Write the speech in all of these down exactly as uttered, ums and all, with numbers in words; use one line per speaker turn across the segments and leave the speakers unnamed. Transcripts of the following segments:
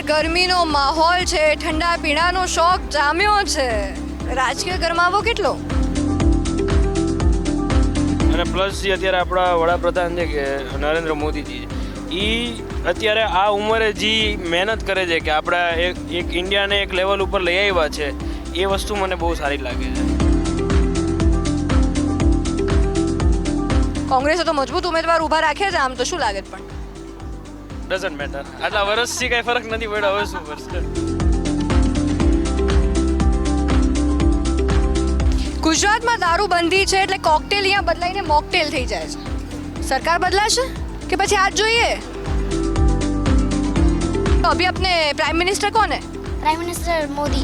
ગરમીનો માહોલ છે, ઠંડા પીણાનો શોખ જામ્યો છે, રાજકીય ગરમાવો કેટલો?
અને પ્લસ જે અત્યારે આપણા વડાપ્રધાન છે કે નરેન્દ્ર મોદીજી, એ અત્યારે આ ઉંમરે જે મહેનત કરે છે કે આપણા એક એક ઇન્ડિયાને એક લેવલ ઉપર લઈ આવ્યા છે, એ વસ્તુ મને બહુ સારી લાગે છે.
કોંગ્રેસે તો મજબૂત ઉમેદવાર ઊભા રાખ્યા છે, આમ તો શું લાગે છે? પણ
ડઝન્ટ મેટર, આટલા વર્ષથી કંઈ ફરક નથી પડ્યો, હવે શું કરશે?
ગુજરાતમાં દારૂબંધી છે એટલે કોકટેલ અહીંયા બદલાઈને મોકટેલ થઈ જાય છે. સરકાર બદલાશે કે પછી આજ જોઈએ? तो अभी अपने प्राइम मिनिस्टर कौन है?
Prime minister Modi.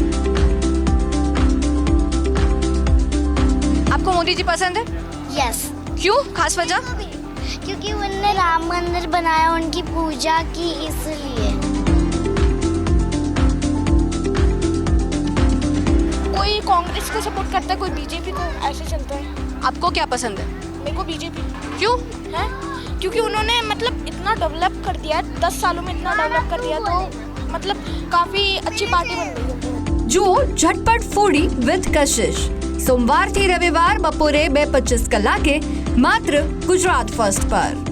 आपको मोदी जी पसंद है?
यस.
क्यों, खास वजह?
क्योंकि उन्होंने राम मंदिर बनाया, उनकी पूजा की, इसलिए.
कोई कांग्रेस को सपोर्ट करता है, कोई बीजेपी को, ऐसे चलता है.
आपको क्या पसंद है?
मेरे को बीजेपी.
क्यों?
है क्योंकि उन्होंने मतलब इतना डेवलप कर दिया, दस सालों में इतना डेवलप कर दिया, तो मतलब काफी अच्छी पार्टी बन गई है.
જુઓ ઝટપટ ફૂડી વિથ કશિશ સોમવારથી રવિવાર બપોરે બે પચીસ કલાકે માત્ર ગુજરાત ફર્સ્ટ પર.